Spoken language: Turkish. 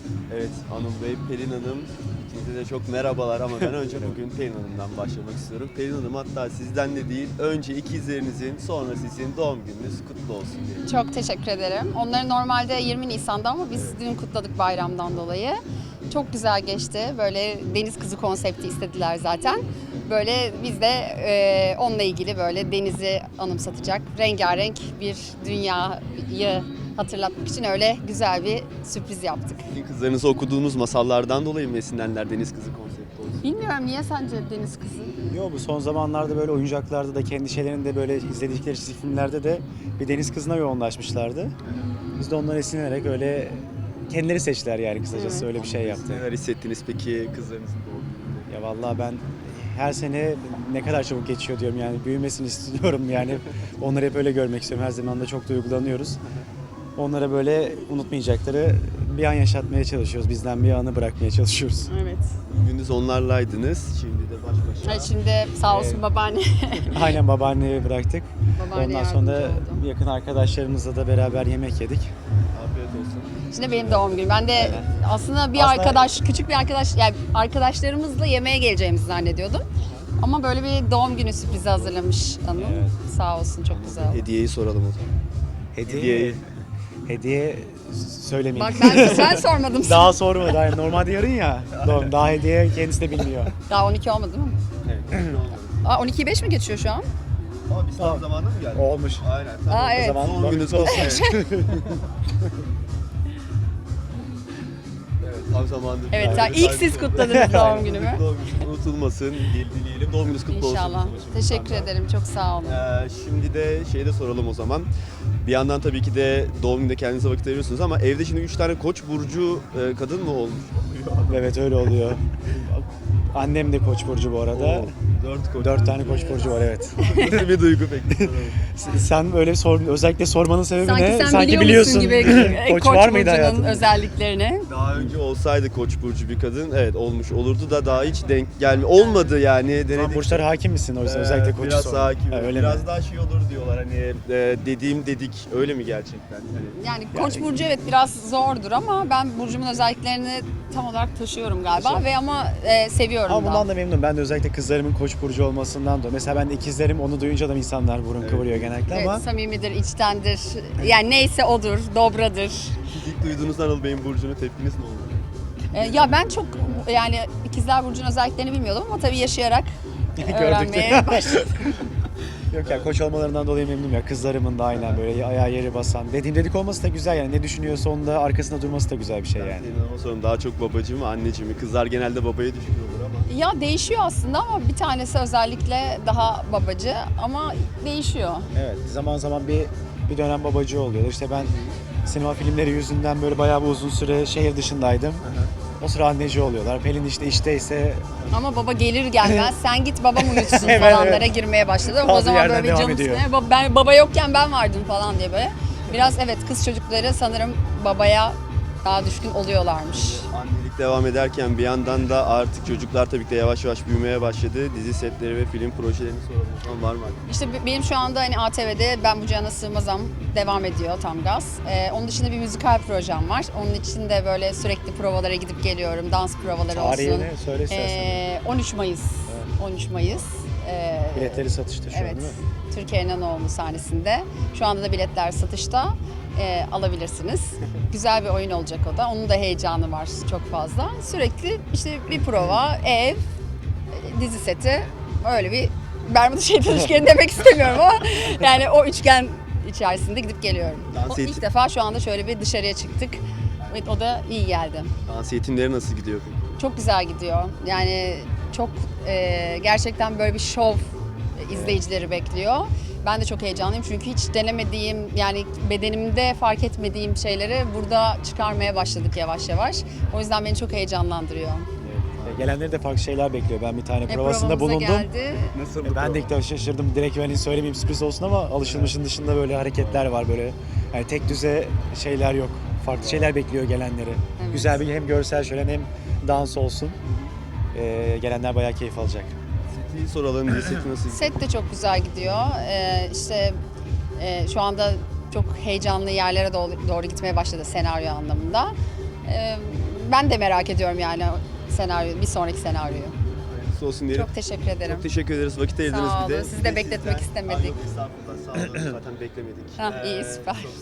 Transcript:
Evet, Anıl Bey, Pelin Hanım, ikinize de çok merhabalar ama ben önce bugün Pelin Hanım'dan başlamak istiyorum. Pelin Hanım, hatta sizden de değil, önce ikizlerinizin, sonra sizin doğum gününüz kutlu olsun diye. Çok teşekkür ederim. Onları normalde 20 Nisan'da ama biz dün kutladık bayramdan dolayı. Çok güzel geçti. Böyle deniz kızı konsepti istediler zaten. Böyle biz de onunla ilgili böyle denizi anımsatacak rengarenk bir dünyayı hatırlatmak için öyle güzel bir sürpriz yaptık. Sizin kızlarınızı okuduğunuz masallardan dolayı mı esinlenler deniz kızı konsepti olsun? Bilmiyorum niye sence deniz kızı? Yo, bu son zamanlarda böyle oyuncaklarda da kendi şeylerinde böyle izledikleri çizgi filmlerde de bir deniz kızına yoğunlaşmışlardı. Biz de ondan esinlenerek öyle kendileri seçtiler yani kısacası Evet. öyle bir şey yaptı. Neler hissettiniz peki kızlarınızın doğum gününde? Ya vallahi ben her sene ne kadar çabuk geçiyor diyorum yani büyümesini istiyorum yani onları hep öyle görmek istiyorum. Her zaman da çok duygulanıyoruz. Onlara böyle unutmayacakları bir an yaşatmaya çalışıyoruz. Bizden bir anı bırakmaya çalışıyoruz. Evet. Gündüz onlarlaydınız, şimdi de baş başa. Hayır, şimdi sağ olsun babaanne. Aynen babaanneye bıraktık. Babaanne Ondan sonra yardımcı oldu. yakın arkadaşlarımızla da beraber yemek yedik. Afiyet olsun. Şimdi benim doğum günüm. Ben de aslında bir Aslında- arkadaş, küçük bir arkadaş, yani arkadaşlarımızla yemeğe geleceğimizi zannediyordum. Ama böyle bir doğum günü sürprizi hazırlamış Anıl. Evet. Sağ olsun, çok güzel. Hediyeyi soralım o zaman. Hediye söylemeyeyim. Bak ben sormadım. Daha sormadı. Yani normalde yarın ya. Doğum. Daha hediye kendisi de bilmiyor. Daha 12 olmadı değil mi? Evet. Aa, 12'yi 5 mi geçiyor şu an? Ama biz tam zamanında mı geldik? Olmuş. Aynen. Tamam. Aa, evet. O zaman Doğum gününüz olsun. Evet, tam zamanında. Evet, Yani ilk siz kutladınız doğum günümü. Doğum günü unutulmasın dileyelim. Doğum gününüz kutlu olsun. İnşallah. Teşekkür ederim, çok sağ olun. Şimdi de de soralım o zaman. Bir yandan tabii ki de doğum gününde kendinize vakit ayırıyorsunuz ama evde şimdi 3 tane Koç burcu kadın mı olmuş? Evet öyle oluyor. Annem de Koç burcu bu arada. 4 Koç. 4 tane Koç burcu var evet. Nasıl bir duygu peki? Sen öyle özellikle sormanın sebebi Sanki ne? sen biliyor biliyorsun. musun gibi Koç Koç var mıydı burcunun hayatında? özelliklerini. Daha önce olsaydı Koç burcu bir kadın, evet olmuş olurdu da daha hiç denk olmadı yani. Sen Denedik. burçlara hakim misin? O yüzden özellikle Koç'u biraz sor. daha hakim. Ha, öyle biraz mi? daha şey olur diyorlar hani dediğim dedik, öyle mi gerçekten? Hani Yani Koç burcu evet biraz zordur ama ben burcumun özelliklerini tam olarak taşıyorum galiba ve ama seviyorum Ama da. bundan da memnunum. Ben de özellikle kızlarımın Koç burcu olmasından dolayı. Mesela ben de ikizlerim onu duyunca da insanlar burun kıvırıyor genellikle Evet, ama samimidir, içtendir. Yani neyse odur, dobradır. siz ilk duyduğunuz Anıl Bey'in burcunu tepkiniz ne oldu? Ya ben çok yani ikizler burcunun özelliklerini bilmiyordum ama tabii yaşayarak öğrenmeye başladım. yok ya Koç olmalarından dolayı memnunum ya. Kızlarımın da aynen böyle ayağı yeri basan. Dediğim dedik olması da güzel yani. Ne düşünüyorsa onun da arkasında durması da güzel bir şey yani. Senin ama sorun daha çok babacı mı, anneci mi? Kızlar genelde babaya düşkün olur ama. Ya değişiyor aslında ama bir tanesi özellikle daha babacı ama değişiyor. Evet zaman zaman bir dönem babacı oluyor. İşte ben sinema filmleri yüzünden böyle bayağı bir uzun süre şehir dışındaydım. O sıra anneci oluyorlar. Pelin işte işteyse Ama baba gelir gelmez sen git babam uyutsun Evet, falanlara evet. girmeye başladı. O Kaldığı zaman yerden böyle bir devam canım ediyor. sıkılıyor. Ben baba yokken ben vardım falan diye böyle. Biraz evet kız çocukları sanırım babaya daha düşkün oluyorlarmış. Annelik devam ederken bir yandan da artık çocuklar tabii ki de yavaş yavaş büyümeye başladı. Dizi setleri ve film projelerini soralım. O zaman var mı? İşte benim şu anda hani ATV'de Ben Bu Cihana Sığmazam devam ediyor tam gaz. Onun dışında bir müzikal projem var. Onun için de böyle sürekli provalara gidip geliyorum. Dans provaları olsun. tarihini söyle istersen. 13 Mayıs. 13 Mayıs. Biletleri satışta şu an Evet. değil mi? Türkiye İnanoğlu sahnesinde. Şu anda da biletler satışta. Alabilirsiniz. Güzel bir oyun olacak o da. Onun da heyecanı var çok fazla. Sürekli işte bir prova, ev, dizi seti. Öyle bir Bermuda şeytan üçgeni demek istemiyorum ama yani o üçgen içerisinde gidip geliyorum. Dans İlk defa şu anda şöyle bir dışarıya çıktık. Evet, o da iyi geldi. Dans eğitimleri nasıl gidiyor peki? Çok güzel gidiyor. Yani çok gerçekten böyle bir şov izleyicileri bekliyor. Ben de çok heyecanlıyım çünkü hiç denemediğim yani bedenimde fark etmediğim şeyleri burada çıkarmaya başladık yavaş yavaş. O yüzden beni çok heyecanlandırıyor. Evet. Gelenleri de farklı şeyler bekliyor. Ben bir tane provasında Provamıza bulundum. geldi. Nasıl Ben de ilk defa şaşırdım. Direkt hani söylemeyeyim sürpriz olsun ama alışılmışın dışında böyle hareketler var böyle. Yani tek düze şeyler yok. Farklı şeyler bekliyor gelenleri. Evet. Güzel bir hem görsel şölen hem dans olsun. Gelenler bayağı keyif alacak. Seti soralım. Dizi seti nasıl gidiyor? Set de çok güzel gidiyor. İşte şu anda çok heyecanlı yerlere doğru gitmeye başladı senaryo anlamında. ben de merak ediyorum yani senaryo, bir sonraki senaryoyu. Hayırlısı olsun diyelim. Çok teşekkür ederim. Çok teşekkür ederiz. Vakit ayırdınız Sağ bir de. olun. Sizi de bekletmek Sizden- istemedik. Ay, yok, estağfurullah. Sağ olun. Zaten beklemedik. Ha, iyi, süper. çok